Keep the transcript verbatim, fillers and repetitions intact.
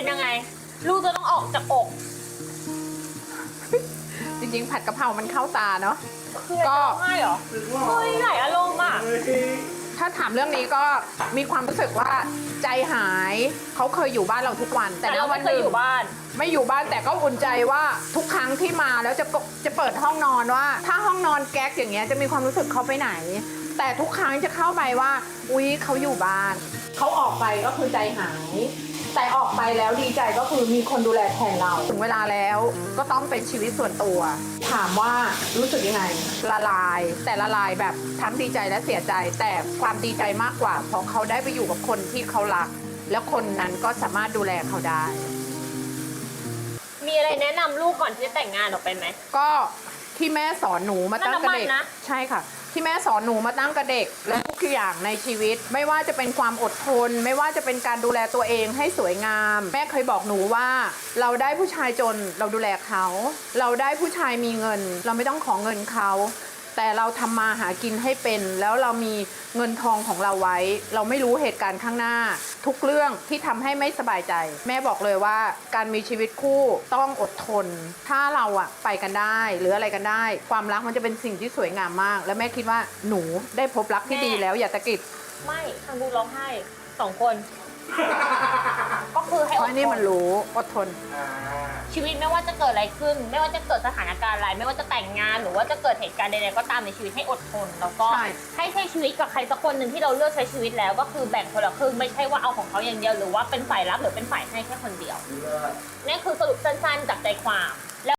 ยังไง ลูกจะต้องออกจากอกจริงๆผัดกะเพรามันเข้าตาเนาะคือก็ให้เหรอเฮ้ยหลายอารมณ์อ่ะถ้าถามเรื่องนี้ก็มีความรู้สึกว่าใจหายเขาเคยอยู่บ้านเราทุกวันแต่แต่เราณวัไม่นเคหยนึ่งอยู่บ้านไม่อยู่บ้านแต่ก็อุ่นใจว่าทุกครั้งที่มาแล้วจะกจะเปิดห้องนอนว่า ถ้าห้องนอนแก๊กอย่างเงี้ยจะมีความรู้สึกเขาไปไหน แต่ทุกครั้งจะเข้าไปว่าอุ๊ยเขาอยู่บ้านเขาออกไปก็คือใจหาย แต่ออกไปแล้วดีใจก็คือมีคนดูแลแทนเราถึงเวลาแล้วก็ต้องเป็นชีวิตส่วนตัว ถามว่ารู้สึกยังไงละลาย แต่ละลายแบบทั้งดีใจและเสียใจ แต่ความดีใจมากกว่าเพราะเขาได้ไปอยู่กับคนที่เขารัก แล้วคนนั้นก็สามารถดูแลเขาได้มีอะไรแนะนำลูกก่อนที่จะแต่งงานออกไปไหมก็ที่แม่สอนหนูมาตั้งแต่เด็กนั่นน้ำมันนะใช่ค่ะ ที่แม่สอนหนูมาตั้งแต่เด็กและทุกอย่างในชีวิต ไม่ว่าจะเป็นความอดทน ไม่ว่าจะเป็นการดูแลตัวเองให้สวยงาม แม่เคยบอกหนูว่า เราได้ผู้ชายจนเราดูแลเขา เราได้ผู้ชายมีเงิน เราไม่ต้องขอเงินเขา แต่เราทำมาหากินให้เป็น แล้วเรามีเงินทองของเราไว้ เราไม่รู้เหตุการณ์ข้างหน้า ทุกเรื่องที่ทำให้ไม่สบายใจ แม่บอกเลยว่าการมีชีวิตคู่ต้องอดทน ถ้าเราอะไปกันได้หรืออะไรกันได้ ความรักมันจะเป็นสิ่งที่สวยงามมาก และแม่คิดว่าหนูได้พบรักที่ดีแล้วอย่าตะกิดไม่ทางดูร้องไห้สองคน ก็คือให้เพอราะดนี่ทมัน นรู้อดทนชีวิตไม่ว่าจะเกิดอะไรขึ้น ไม่ว่าจะเกิดสถานการณ์อะไร ไม่ว่าจะแต่งงานหรือว่าจะเกิดเหตุการณ์ใดๆก็ตามในชีวิตให้อดทน แล้วก็ใช่ให้ใช้ชีวิตกับใครสักคนหนึ่งที่เราเลือกใช้ชีวิตแล้วก็คือแบ่งคนละครึ่งไม่ใช่ว่าเอาของเขาอย่างเดียวหรือว่าเป็นฝ่ายรับหรือเป็นฝ่ายให้แค่คนเดียวนี่คือสรุปสั้นๆจากใจความ